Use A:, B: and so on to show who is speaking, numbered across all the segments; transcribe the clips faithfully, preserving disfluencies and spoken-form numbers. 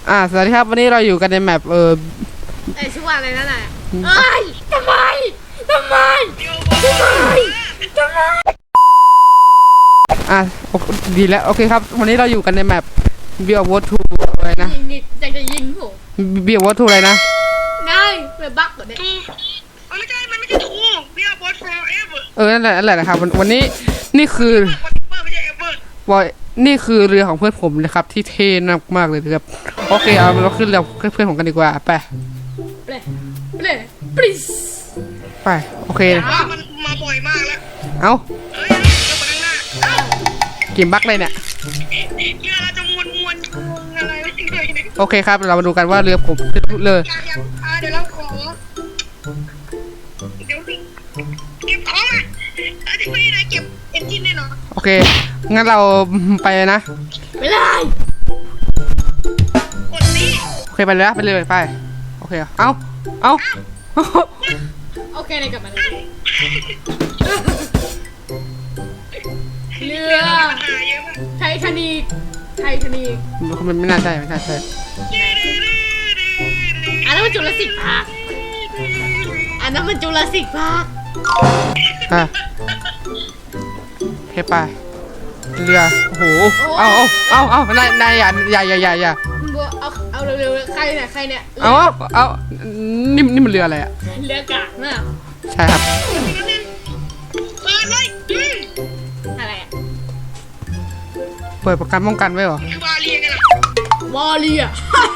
A: อ่าสวัสดีครับวันนี้เราอยู่กันในแมปเออ
B: ไอชื่อว่าอะไรนั่นแหละเอ้ยทำไมทำไมทำไมทำไม
A: อ่ะดีแล้วโอเคครับวันนี้เราอยู่กันในแมปเบียร์วอทูอะไรนะ
B: ยิงดิจะจะยิงผม
A: เบียร์วอทูอะไรนะ
B: ได้แบบบั๊กเหรอเนี่ย
C: ไม่ใช่มันไม่ใช่ทูเบียร์วอทูเอเวอร์
A: เออนั่นแหละนั่นแหละนะครับวันนี้นี่คือ
C: ไม่ใช่เอเวอร์
A: วอยนี่คือเรือของเพื่อนผมนะครับที่เท่มากเลยนะครับโอเคเอาเราขึ้นเรือเพื่อนผมกันดีกว่าไป
B: เปลเปลปริส
A: ไปโอเค
C: มันมาบ่อยมากแล้ว
A: เอ้า
C: เฮ้ยเดี๋ยวมาข้างหน้าเอ้า
A: กินบั๊กเลยเนี่ย
C: เรือเราจะมวนมวนอะไรไม่เลย
A: โอเคครับเรามาดูกันว่าเรือผมเลย
C: เดี๋ยวเราขอเดี๋ยวเก็บของอ่ะเอาที่ไม่ได้เก็บเอนจินแน่นอน
A: โอเคงั้นเราไปนะ
B: ไปเลย
C: กดนี้
A: โอเคไปเลยไปเลยไปโอเคเอ้าเอ้า
B: โอเคเลยกลับมาเลยเรือไททานิกไททานิก
A: มันไม่น่าใช่ไม่น่าใช่
B: อันนั้นมันจุลศิษย์พาร์คอันนั้นมันจุลศิษย์พาร์ค
A: อ่ะเฮ้ไปเรือโอ้โหเอาเอาเอาเอานายนายอย่าอย่าอย่าอย่าอย่า
B: เอาเอาเร็วๆใครเนี่ยใครเนี่ย
A: เอาเอานี่นี่มันเรืออะไรอะ
B: เรือกากนะ
A: ใช่ครับ
C: เปิดเลย
B: อะไรอะ
A: เปิดประกันป้องกันไว้เหรอ
C: คือวาเลียกันหรอ
B: วาเลีย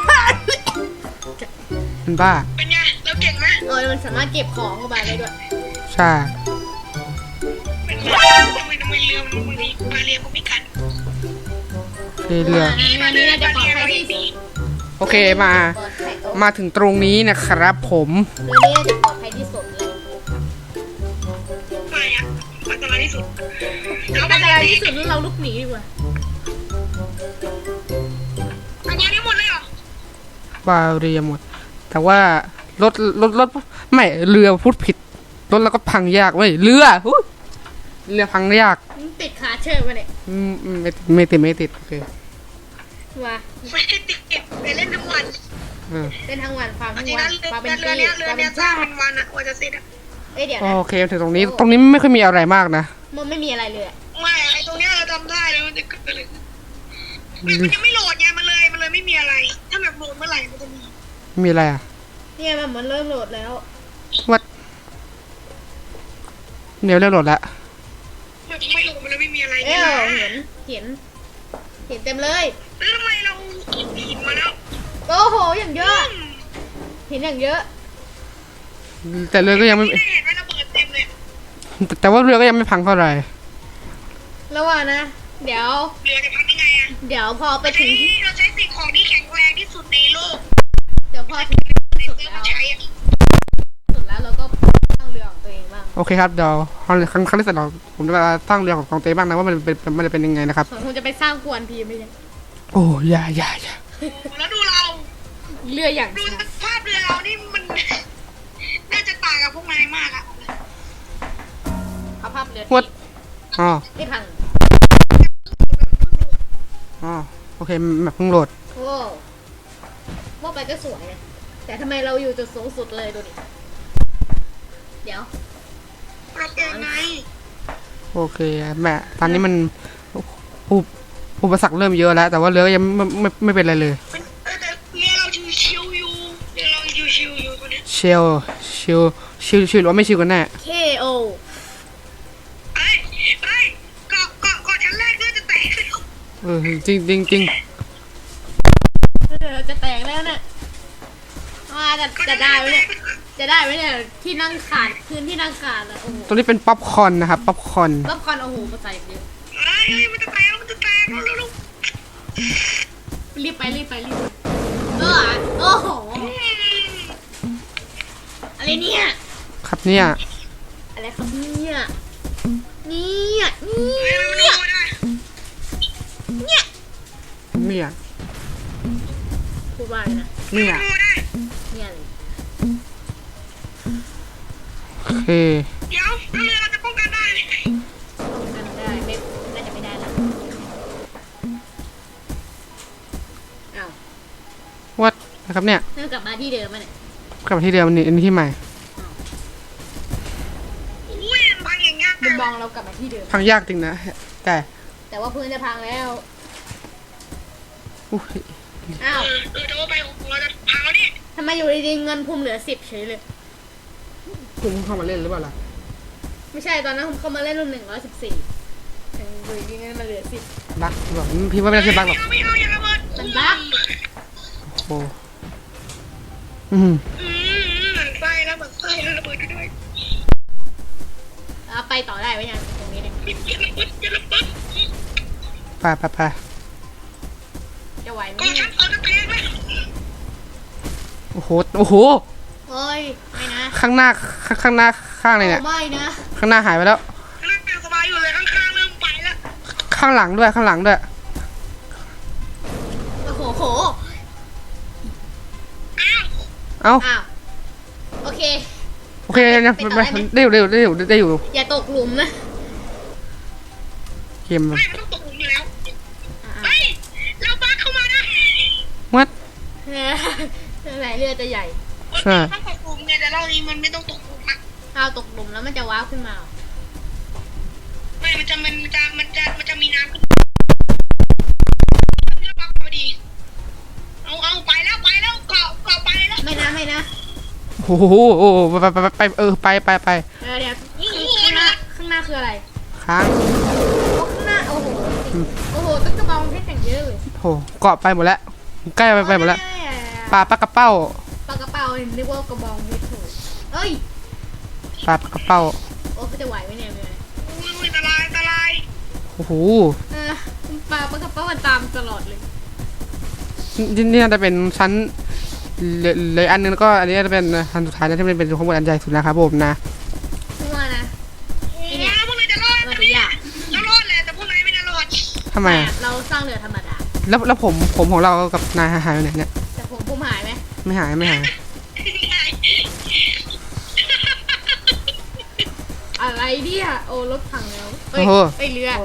A: มันบ้า
C: เป็นไงเราเก่งไหม
B: เออมันสามารถเก็บของเข้าไปได้ด้วย
A: ใช่
C: เป็นไงทำไมทำไมเรือมันบางทีวาเลียก็ไม่กัด
A: เรือโอเคมามาถึงตรงนี้นะครับผม
B: เรือนี้จะปลอดภัยที่สุดเลย
C: ไม่อะอันตรายที่สุด
B: อันตรายที่สุดแล้วเราลุกหนีดีกว่า
C: อันนี้หมดเลยเหร
A: อบาเรียหมดแต่ว่ารถรถรถไม่เรือพูดผิดรถแล้วก็พังยากเว้ยเรือเรือพังยาก
B: ติดขาเชื่อมาเนี่ย
A: อืมไม่ไม่ติดไม่ติดโอเค
B: ว่า
C: ไม่ได้ติดไปเล่นทั้งวัน
B: เล่นทั้งวันฟังทั้ง
C: วัน
B: ฟังเป็น
C: เรือเนี้ยเรือเนี้ยจ้างเป็นวันอะว่าจะเสร็จอะ
B: เอ้ยเดี๋ยว
A: โอเคถึงตรงนี้ตรงนี้ไม่ค่อยมีอะไรมากนะ
B: มันไม่มีอะไรเลย
C: ไม่ไอตรงเนี้ยเราจำได้เลยมันจะเกิดอะไรมันยังไม่โหลดไงมันเลยมันเลยไม่มีอะไรถ้าแบบโหลดเมื่อไหร่มันจะมี
A: มีอะไรอ่ะ
B: เนี่ยมันเหมือนเริ่มโหลดแล้ว
A: วัดเดี๋ยวเริ่มโหลดแล้ว
C: ไม่โหลดมันเลยไม่มีอะไร
B: เออเห็นเห็นเห็นเต็มเลย
C: แล้วทำไมเราหินมาแล้ว
B: โอ้โหอย่างเยอะเห็นอย่างเยอะ
A: แต่เรือก็ยังไม่แต่ว่าเรือก็ยังไม่พังเท่าไหร่
B: แล้วว่านะเดี๋ยว
C: เรือจะพังยังไงอะ
B: เดี๋ยวพอไปถึง
C: เราใช้สิ่งของที่แข็งแรงที่สุดในโลก
B: เดี๋ยวพอถึงสุดแล้วสุดแล้วเราก็ตั้งเรือของตัวเองบ้าง
A: โอเคครับเดี๋ยวครั้งครั้งครั้งที่สองผมจะมาตั้งเรือของตัวเองบ้างนะว่ามันเป็นมันจะเป็นยังไงนะครับ
B: ผมจะไปสร้างกวนพีไม่ใช่
A: โอ้ยาย่าย่า
C: แล้วดูเรา
B: เรืออย่าง
C: ดูสภาพเรือเรานี่มันน่าจะต่างกับพวกนายมากอะ
B: สภาพเรือ
A: วัดอ๋อ
B: ไม่พัง
A: อ๋อโอเคแบบเพิ่งโหลด
B: โอ้ว่าไปก็สวยเลยแต่ทำไมเราอยู่จุดสูงสุดเลยดูดิเดี๋ยว
C: เราเป็นไง
A: โอเคแม่ตอนนี้มันอุปอุปสรรคเริ่มเยอะแล้วแต่ว่าเรือยังไม่ไม่ไม่เป็นอะไรเลย
C: เรือเราชิวอยู่เรือเราชิวอยู่ตัวนี้
A: ชิวชิวชิวชิวหรือว่าไม่ชิวกันแน่
B: เค โอ
C: ไอ้ไอ้เกาะเกาะเกาะชั้นแรกเรือจะแตก
A: เออจริงจริงจริง
B: เรือจะแตกแล้วเนี่ยว่าจะจะได้ไหมเนี่ยจะได้ไหมเนี่ยที่นั่งขาดพื้นที่นั่งขาดอ่ะโอ้โห
A: ตรงนี้เป็นป๊อปคอร์นนะครับป๊อปคอร์น
B: ป๊อปคอร์นโอ้โหมาใส่เยอะ
C: เฮ้ยมันจะแตกมันจะแตกเร็ว
B: รีบไปรีบไปรีบเออโอ้โหอะไรเนี่ย
A: ครับเนี่ย
B: อะไรครับเนี่ยเนี่ยเนี่ยเนี่ย
A: เนี่ย
B: พูดว่าอะไรนะ
A: เนี่ย
B: เนี่ยเลย
A: โอเค
C: เดี๋ยวเรือเราจะป้องกันได้
B: ป้องกันได้ไม่น่าจะไม่ได้แล้วอ้าว
A: วัดนะครับเนี่ย
B: เริ่มกลับมาที่เดิมมาเนี่ย
A: กลับมาที่เดิมอันนี้อันนี้ที่ใหม่
C: อุ้ยมันพังอย่างเงี้ย
B: มุมมองเรากลับมาที่เดิม
A: พังยากจริงนะแต่
B: แต่ว่าพื้นจะพังแล้ว
A: อุ๊ย
B: อ้าว
C: เออเออแต่ว่าไปของเราจะพังแล้วนี่
B: ทำไมอยู่ดีๆเงินภูมิเหลือสิบเฉยเลย
A: คุณเข้ามาเล่นหรือเปล่าล่ะ
B: ไม่ใช่ตอนนั้นผมเข้ามาเล่นรุ่นหนึ่งร้อยสิบสี่ถึงอยู่ดีๆเงินมาเหลือสิบ
A: บักบอกพี่ว่าไม่ได้ใช่บักหรอก
C: ไม่เอาอย่าระเบิด
B: มันบั๊ก
A: โอ้อืม
C: อืมเหมือนไส้แล้วเหมือนไส้แล้วระเบิดด้วย
B: เอาไปต่อได้ไหมยังตรงนี้เนี่ย
C: อย่าระเบิดอย่าระเบิด
A: ไปไปไป
B: จะไหวไหม
C: กอง
B: เนี่
C: ฉั
B: ย
C: นเอาจะแตกเลย
A: โอ้โหโอ้โห
B: เฮ้ยไม่นะ
A: ข้างหน้าข้างข้างหน้าข้างเลยเนี่ย
B: โอ้ไม่นะ
A: ข้างหน้าหายไปแล้ว
C: กำลังเป็นสบายอยู่เลยข้างๆเริ่มไปแล้ว
A: ข้างหลังด้วยข้างหลังด้วย
B: โอ้โหโห
C: อ้าว
A: เอ้า
B: อ้าวโอเค
A: โอเคนะ
B: ไปต่อได้ไหม
A: ได้อยู่ได้อยู่ได้อยู่ได้อยู่
B: อย่าตกหลุมนะ
A: เกม
C: ไม่มันต้องตกหลุมอยู่แล้ว
B: อ่า
C: เฮ้ยเราบักเข้ามาได้
A: วัด
B: ๆไหนเรือจะใหญ่
A: ใช่
C: ต้องตกหลุมไงแต่รอบนี้มันไม่ต้องตกหลุมอะ
B: ถ้าเอาตกหลุมแล้วมันจะว้าวขึ้นมา
C: ไม่มันจะมันจะมันจะมันจะมีน้ำขึ้นเรือบักพอดีเอาเอาไปแล้วไปแล้วเกาะเกาะไปแล้ว
B: ไม่นะไม่นะ
A: โอ้โหโอ้โหไปไปไปไปเออไปไปไป
B: เดี๋ยวเดี๋ยวข้างหน้าข้างหน้าคืออะไร
A: ค้าง
B: โอ้ข้างหน้าโอ้โหโอ้โหต้นกระบองเพชรอย่างเยอะเลย
A: โอ้โหเกาะไปหมดแล้วใกล้ไปไปหมดแล้ว
B: โอ้ย
A: ปลาปลากระเป้า
B: ปลากระเป๋านึกว่ากระบองเพชรโถเอ้ย
A: ปลาปลากระเป้า
B: โอ้เขาจะไหวไหมเนี่ยเมื่อ
C: อุ้ยอันตรายอันตราย
A: โอ้โห
B: เออปลาปลากระเป๋ามันตามตลอดเลย
A: นี่นี่น่าจะเป็นชั้นเหลยเลยอันนึงแล้วก็อันนี้จะเป็นอันสุดท้ายนะที่เป็นเป็นข้างบนอันใหญ่สุดนะครับผมนะ
B: ขึ้นมานะ
C: ไอ้เนี่ยพวกนายจะรอด
B: มัน
C: ไหม
B: จะ
C: เนี่ย
B: ยาก
C: เรารอดแหละแต่พวกนายไม่น่ารอด
A: ทำไมอะ
B: เราสร้างเรือธรรมดา
A: แล้วแล้วผมผมของเรากับนายหายไปไหนเนี่ย
B: แต่ผมผมหายไหม
A: ไม่หายไม่หาย
B: อะไรเนี่ยโอ้รถพังแล้วเอ้
A: โอ้
B: ย
A: โห
B: เอ้ยเรือ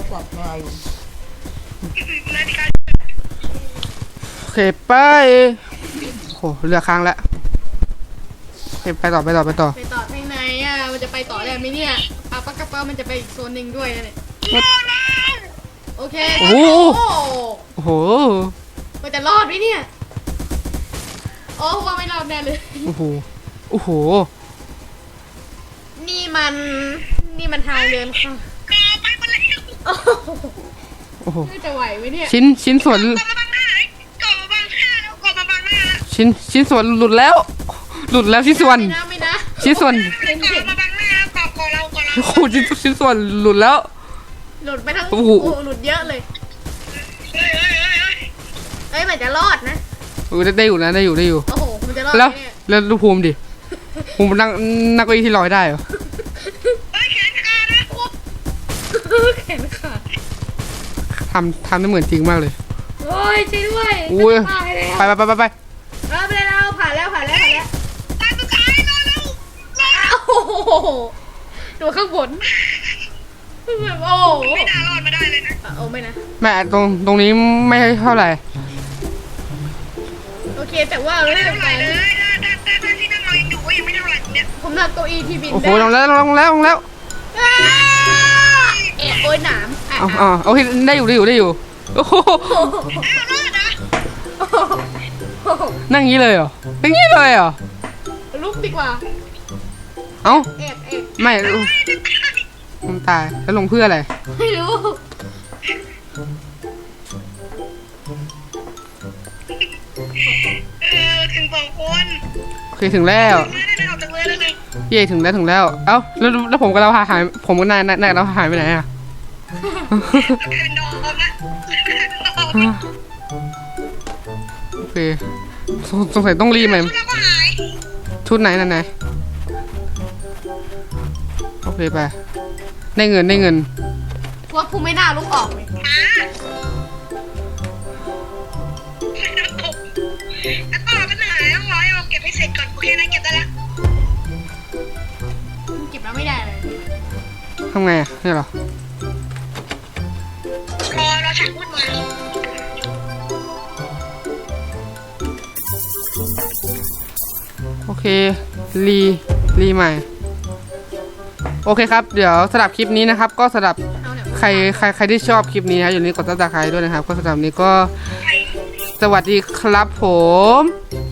C: นาฬิกา
A: โอเคไปโอ้โหเรือค้างแล้วโอเคไปต่อไปต่อไปต่อ
B: ไปต่อทางไหนอ่ะมันจะไปต่อได้ไหมเนี่ยปลาปลากระเป๋ามันจะไปอีกโซนหนึ่งด้วยนะเนี่ย
C: รอดแล้ว
B: โอเค
A: โอ้โห
B: โอ้
A: โอ้โห
B: มันจะรอดไหมเนี่ยโอ้ว่าไม่รอดแน่เลย
A: โอ้โหโอ้โห
B: นี่มันนี่มันทางเดินค่ะ
C: กอไปหมดแล้ว
B: โอ้โห
A: โอ้โห
B: จะไหวไหมเนี่ย
A: ชิ้นชิ้นส่วน
C: กอมาบังหน้าเลยกอมาบังหน้าแล้วกอมาบังหน้าแล้ว
A: ชิ้นชิ้นส่วนหลุดแล้ว หลุดแล้วชิ้นส่วน
B: ไม่นะไม่นะ
A: ชิ้นส่วน
B: เห็น
C: กอ
B: เห็น
C: มาบังหน้าแล้วกอกอเรากอเรา
A: โอ้โหชิ้นชิ้นส่วนหลุดแล้ว
B: หลุดไปทั้ง
A: โอ้
B: โอ้
A: โห
B: โหหลุดเยอะเลย
C: เฮ้ยเฮ้ยเฮ้ยเฮ้ย
B: เอ้ยมันจะรอดนะ
A: เออได้ได้อยู่นะได้อยู่ได้อยู่
B: โอ้โหมันจะรอด
A: แล้ว
B: ไหมเนี่ย
A: แล้วดูภูมิดิภูมินั่งนั่งเก้าอี้ที่ลอยได้เหรอ
C: เฮ้ยแขนขาดนะ
B: แขนขาด
A: ทำทำได้เหมือนจริงมากเลย
B: โอ้ยช่วยด้วย
A: อุ้ย
B: ตายแล้ว
A: ไปไปไปไปไป
B: เออไปแล้วผ่านแล้วผ่านแล้วผ่านแล้ว
C: ตาสุดท้ายรอแล้ว
B: อ้าวโอ้โหดูข้างบนแบบโอ้โห
C: ไม่น่ารอดมาได้เลยนะ
B: อ่ะโอ้ไม่นะ
A: แม่ตรงตรงนี้ไม่เท่าไหร่
B: โอเคแต่ว่าเรื่
C: ไม่
B: อง
C: เท่าไหร่
B: การ
C: เลยถ้าถ้าถ้าถ้าที่นั่งเรายังอยู่ก็ยังไม่เท่าไหร่เนี่ย
B: ผมทำเก้าอี้ที่บิน
A: โอ้โห
B: ได้
A: ลงแล้วลงแล้วลงแล้ว
B: อ้าเอะโอ้ยหนามอ่ะ
A: เอาเอาโอเคได้อยู่ได้อยู่ได้อยู่โอ้โห
C: อ้าวรอดนะ
B: โอ้โห
A: นั่งงี้เลยเหรอนั่งงี้เลยเหรอ
B: ลุกดีกว่า
A: เอ้า
B: แอบแอบ
A: ไม่มันตายแล้วลงเพื่ออะไร
B: ไม่รู้
C: เออถึงสองคน
A: โอเคถึงแล้ว
C: ไม่ได้ออกจากเรือแล้วเลย
A: เย่ถึงแล้วถึงแล้วเอ้าแล้วแล้วผมกับเราหายหายผมกับนายนายนายเราหายไปไหนอ่ะ
C: แคนดอมนะ
A: โอเคสงสงสัยต้องรีบไหม
C: ชุดเราก็หาย
A: ชุดไหนนั่นไหนโอเคไปได้เงินได้เงิน
B: ว่าภูไม่น่าลุกออกเลย
C: หาแล้วตกแล้วต่อปัญหาต้องรอให้เราเก็บให้เสร็จก่อนโอเคนะเก็บได้แล้ว
B: เก็บแล้วไม่ได้เลย
A: ทำไงอ่ะนี่เหรอ
C: รอเราฉากพูดมา
A: โอเครีรีใหม่โอเคครับเดี๋ยวสำหรับคลิปนี้นะครับก็สำหรับ
B: เอาเนี่ย
A: ใครใครใครที่ชอบคลิปนี้นะอย่าลืมกดติดตามใครด้วยนะครับก็สำหรับวันนี้ก็สวัสดีครับผม